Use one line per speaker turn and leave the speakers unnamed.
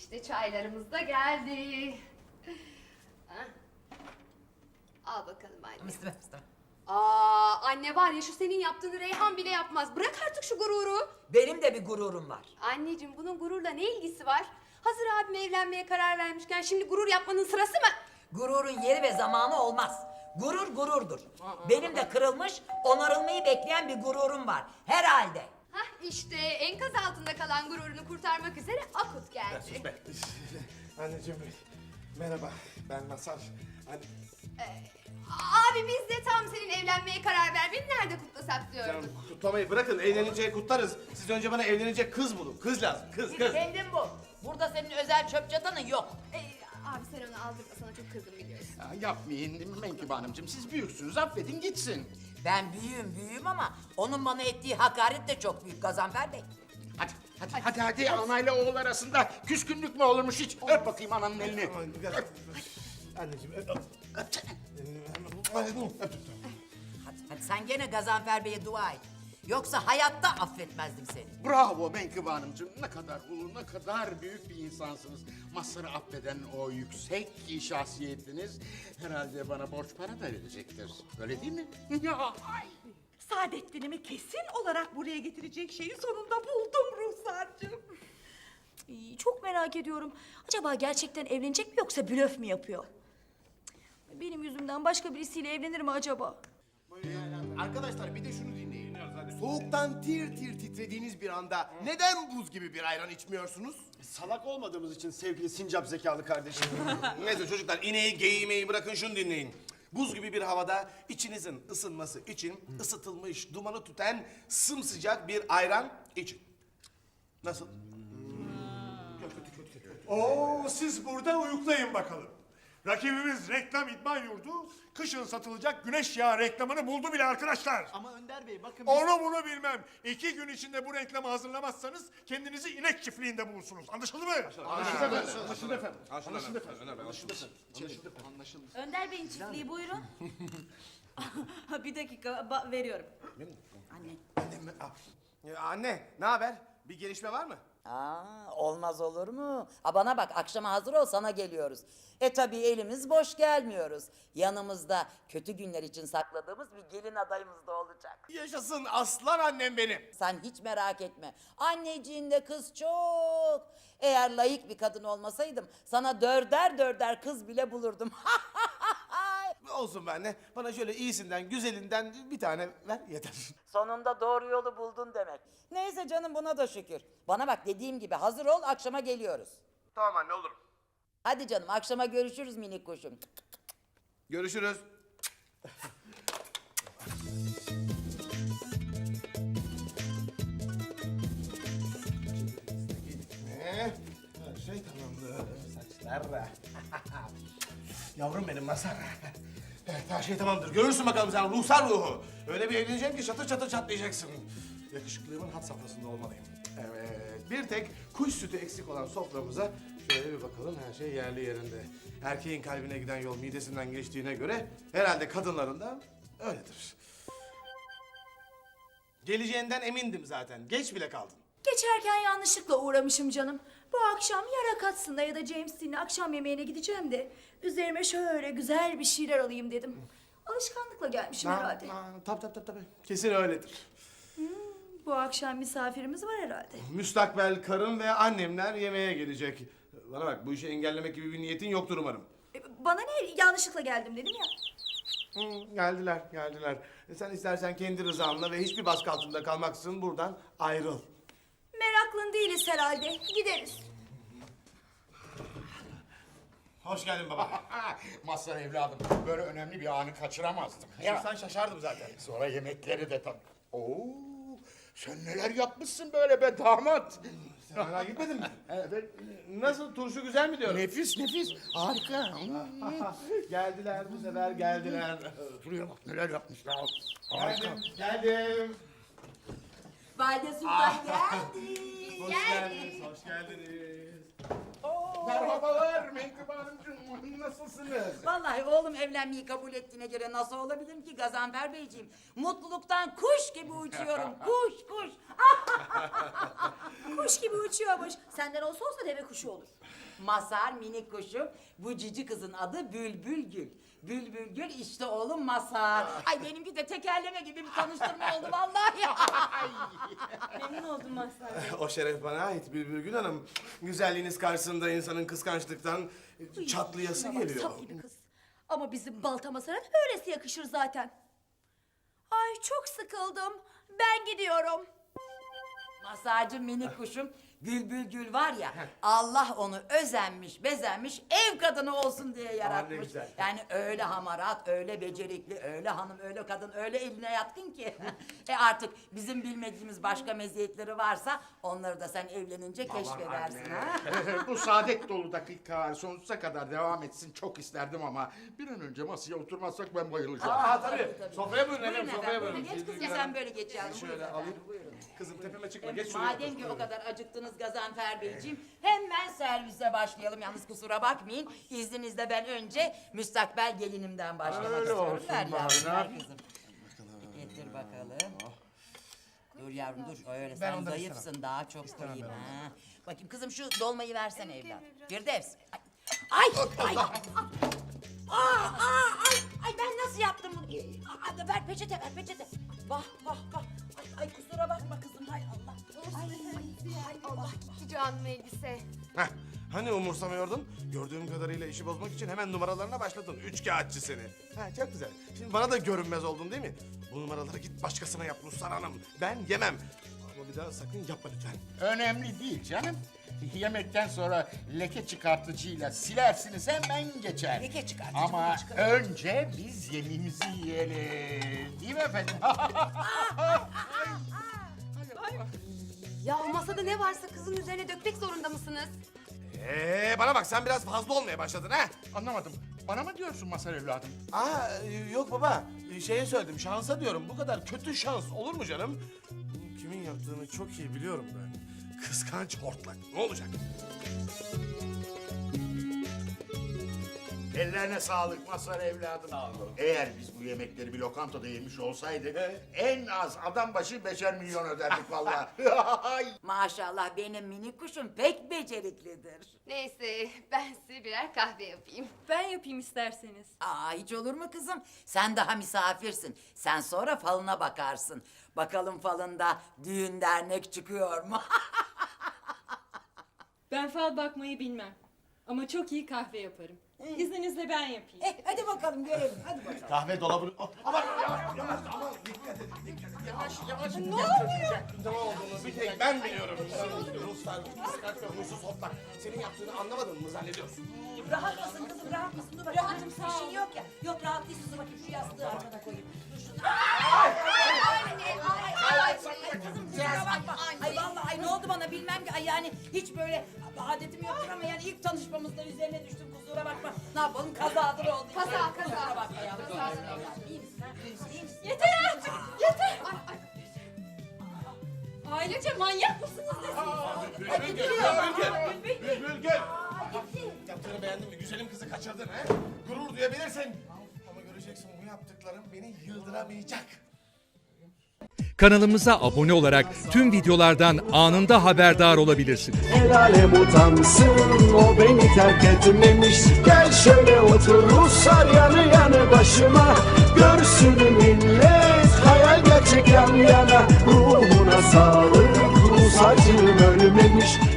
İşte çaylarımız da geldi. Ha? Al bakalım anne.
İstemem.
Anne var ya, şu senin yaptığını Reyhan bile yapmaz. Bırak artık şu gururu.
Benim de bir gururum var.
Anneciğim, bunun gururla ne ilgisi var? Hazır abim evlenmeye karar vermişken şimdi gurur yapmanın sırası mı?
Gururun yeri ve zamanı olmaz. Gurur gururdur. Benim de kırılmış, onarılmayı bekleyen bir gururum var. Herhalde.
Hah, işte enkaz altında kalan gururunu kurtarmak üzere Akut geldi.
Anneciğim merhaba, ben Masar. Hani
Abi biz de tam senin evlenmeye karar vermeni nerede kutlasak diyorum.
canım, kutlamayı bırakın, evlenince kutlarız. Siz önce bana evlenecek kız bulun. Kız lazım, kız.
Kendin bu. Burada senin özel çöp çatanın yok.
Abi sen onu aldırma, sana çok kızdım biliyorsun.
Ya yapmayın Menkıbe Hanımcığım, siz büyüksünüz, affedin gitsin.
Ben büyüğüm ama onun bana ettiği hakaret de çok büyük Gazanfer Bey.
Hadi anayla oğul arasında küskünlük mü olurmuş hiç? Öp bakayım ananın elini.
Anneciğim
Hadi sen gene Gazanfer Bey'e dua et. Yoksa hayatta affetmezdim seni.
Bravo Menkıbe Hanımcığım, ne kadar ulu, ne kadar büyük bir insansınız. Mazhar'ı affeden o yüksek şahsiyetiniz herhalde bana borç para da verecektir. Öyle değil mi? Ya, ay.
Saadettin'imi kesin olarak buraya getirecek şeyi sonunda buldum Ruhsar'cığım.
Çok merak ediyorum. Acaba gerçekten evlenecek mi yoksa blöf mü yapıyor? Benim yüzümden başka birisiyle evlenir mi acaba?
Arkadaşlar bir de şunu dinleyin. Soğuktan tir tir titrediğiniz bir anda neden buz gibi bir ayran içmiyorsunuz?
salak olmadığımız için sevgili sincap zekalı kardeşim. Neyse çocuklar, ineği geyiği bırakın, şunu dinleyin. Buz gibi bir havada içinizin ısınması için ısıtılmış, dumanı tüten sımsıcak bir ayran için. Nasıl?
Oo, siz burada uyuklayın bakalım. Rakibimiz Reklam İdman Yurdu kışın satılacak güneş yağı reklamını buldu bile arkadaşlar.
Ama Önder Bey bakın
Onu bunu bilmem. 2 gün içinde bu reklamı hazırlamazsanız kendinizi inek çiftliğinde bulursunuz. Anlaşıldı mı?
Anlaşıldı efendim.
Önder Bey'in çiftliği buyurun. Bir dakika veriyorum.
Anne, ne haber? Bir gelişme var mı?
Olmaz olur mu? Bana bak, akşama hazır ol, sana geliyoruz. Tabii elimiz boş gelmiyoruz. Yanımızda kötü günler için sakladığımız bir gelin adayımız da olacak.
Yaşasın aslan annem benim.
Sen hiç merak etme. Anneciğinde kız çok. Eğer layık bir kadın olmasaydım sana dörder kız bile bulurdum.
Olsun be anne. Bana şöyle iyisinden, güzelinden bir tane ver yeter.
Sonunda doğru yolu buldun demek. Neyse canım, buna da şükür. Bana bak, dediğim gibi hazır ol, akşama geliyoruz.
Tamam anne, olurum.
Hadi canım, akşama görüşürüz minik kuşum.
Görüşürüz. Her şey tamamdır. Saçlar da. Yavrum benim Mazhar. Evet, her şey tamamdır. Görürsün bakalım sen ruhsar ruhu. Öyle bir evleneceğim ki çatır çatır çatlayacaksın. Yakışıklığımın had safhasında olmalıyım. Evet, bir tek kuş sütü eksik olan soframıza şöyle bir bakalım, her şey yerli yerinde. Erkeğin kalbine giden yol midesinden geçtiğine göre herhalde kadınların da öyledir. Geleceğinden emindim zaten. Geç bile kaldın.
Geçerken yanlışlıkla uğramışım canım. Bu akşam ya Rakatsın'da ya da James Dean'le akşam yemeğine gideceğim de üzerime şöyle güzel bir şeyler alayım dedim. Alışkanlıkla gelmişim herhalde.
Tabii. Kesin öyledir.
Bu akşam misafirimiz var herhalde.
Müstakbel karım ve annemler yemeğe gelecek. Bana bak, bu işi engellemek gibi bir niyetin yoktur umarım.
Bana ne, yanlışlıkla geldim dedim ya.
Geldiler. Sen istersen kendi rızanla ve hiçbir baskı altında kalmaksızın buradan ayrıl.
Meraklın değiliz herhalde. Gideriz.
Hoş geldin baba.
Mazhar evladım, böyle önemli bir anı kaçıramazdım.
Sen şaşardım zaten.
Sonra yemekleri de tabii. Oo, sen neler yapmışsın böyle be damat.
Sen hala gitmedin mi?
Evet.
Nasıl, turşu güzel mi diyorum?
Nefis, harika.
Geldiler, bu sefer geldiler.
Şuraya bak neler yapmışlar. Harika.
Geldim.
Valide Sultan geldi.
Hoş geldiniz.
Merhabalar Menkıbe Hanımcığım, nasılsınız?
Vallahi oğlum evlenmeyi kabul ettiğine göre nasıl olabilirim ki Gazanfer Beyciğim? Mutluluktan kuş gibi uçuyorum. Kuş.
Kuş gibi uçuyormuş. Senden olsa deve kuşu olur.
Mazhar minik kuşum. Bu cici kızın adı Bülbül Gül. Bülbül Gül işte oğlum Mazhar. Ay benimki de tekerleme gibi bir tanıştırma oldu vallahi.
Memnun oldum Mazhar Bey.
O şeref bana ait Bülbül Hanım. Güzelliğiniz karşısında insanın kıskançlıktan çatlayası
Bak,
geliyor.
sap gibi kız. Ama bizim Baltamasar'a da öylesi yakışır zaten. Ay çok sıkıldım. Ben gidiyorum.
Mazhar'cığım minik kuşum. Bülbül Gül var ya, Allah onu özenmiş, bezenmiş, ev kadını olsun diye yaratmış.
güzel.
Yani öyle hamarat, öyle becerikli, öyle hanım, öyle kadın, öyle eline yatkın ki. Artık bizim bilmediğimiz başka meziyetleri varsa onları da sen evlenince keşfedersin ha.
Bu saadet dolu dakikalar sonsuza kadar devam etsin çok isterdim ama bir an önce masaya oturmazsak ben bayılacağım.
Aa tabii. Sofraya buyurun efendim,
Buyurun
sofraya
efendim,
buyurun.
geç kızım sen böyle geç yavrum.
Şöyle
Buyurun efendim,
alayım.
buyurun.
Kızım tepeme çıkma, geç şuraya.
Madem ki o kadar acıktınız Gazanfer Beyciğim, hemen servise başlayalım. Yalnız kusura bakmayın, izninizle ben önce müstakbel gelinimden başlamak
Öyle
istiyorum.
olsun
Ver
bari,
yavrum,
ne
ver
yapayım?
kızım. Getir bakalım. Dur yavrum dur, öyle
Ben
sen
ondan
zayıfsın, daha çok koyayım. Ha. Bakayım kızım şu dolmayı versene evlat. Firdevs. Ay! Ay ben nasıl yaptım bunu? Ver peçete, ver peçete. Vah. Ay kusura bakma kızım, hay Allah. Ay Allah.
Cici Hanım elbise.
Heh, hani umursamıyordun? Gördüğüm kadarıyla işi bozmak için hemen numaralarına başladın. Üçkağıtçı seni. Ha, çok güzel. Şimdi bana da görünmez oldun değil mi? Bu numaraları git başkasına yap Ruslan Hanım. Ben yemem. Ama bir daha sakın yapma lütfen.
Önemli değil canım. Yemekten sonra leke çıkartıcıyla silersiniz hemen geçer.
Leke çıkartıcı
Ama
mı çıkar?
önce biz yemeğimizi yiyelim. Değil mi efendim?
Ya o masada ne varsa kızın üzerine dökmek zorunda mısınız?
Bana bak sen biraz fazla olmaya başladın ha?
Anlamadım. Bana mı diyorsun Mazhar evladım?
Aa yok baba. Şeye söyledim şansa diyorum. Bu kadar kötü şans olur mu canım? Bunu kimin yaptığını çok iyi biliyorum ben. Kıskanç hortlak. Ne olacak?
Ellerine sağlık Mazhar evladım. Sağ olun. Eğer biz bu yemekleri bir lokantada yemiş olsaydık en az adam başı 5'er milyon öderdik vallahi.
Maşallah benim minik kuşum pek beceriklidir.
Neyse ben size birer kahve yapayım.
Ben yapayım isterseniz.
Aa hiç olur mu kızım? Sen daha misafirsin. Sen sonra falına bakarsın. Bakalım falında düğün dernek çıkıyor mu?
Ben fal bakmayı bilmem. Ama çok iyi kahve yaparım. İzninizle ben yapayım.
Hadi bakalım görelim. Hadi bakalım.
Kahve dolabını... Oh, aman yavaş aman dikkat edin dikkat edin.
Yavaş.
Ne olduğunu bir tek ben biliyorum. Ruslar, kıskanç ve huysuz hortlak. Senin yaptığını anlamadın mı zannediyorsun?
Rahat mısın kızım rahat mısın? Dur bakayım. Rahatım sağ ol. Bir şey yok ya. Yok rahat değilsin. Dur bakayım şu yastığı arkana koyayım. Dur şunu. Ay kızım kusura bakma. Ay vallahi ay ne oldu bana bilmem ki. Ay yani hiç böyle adetim yoktur ama yani ilk tanışmamızda üzerine düştüm kusura bakma. Ne yapalım kazadır oldu.
Kaza.
Kusura bakma yavrum. İyi misin ha? İyi misin?
Yeter artık! Yeter! Ailece manyak mısınız
Bülbül gel. Yaptığını beğendin mi? Güzelim kızı kaçırdın ha? Gurur duyabilirsin. Ama göreceksin bu yaptıklarım beni yıldıramayacak.
Kanalımıza abone olarak tüm videolardan anında haberdar olabilirsiniz.
El alem utansın o beni terk etmemiş. Gel şöyle otur Ruslar yanı yanı başıma. Görsün millet hayal gerçek yan yana. Ruhuna sağlık Rus acım ölmemiş.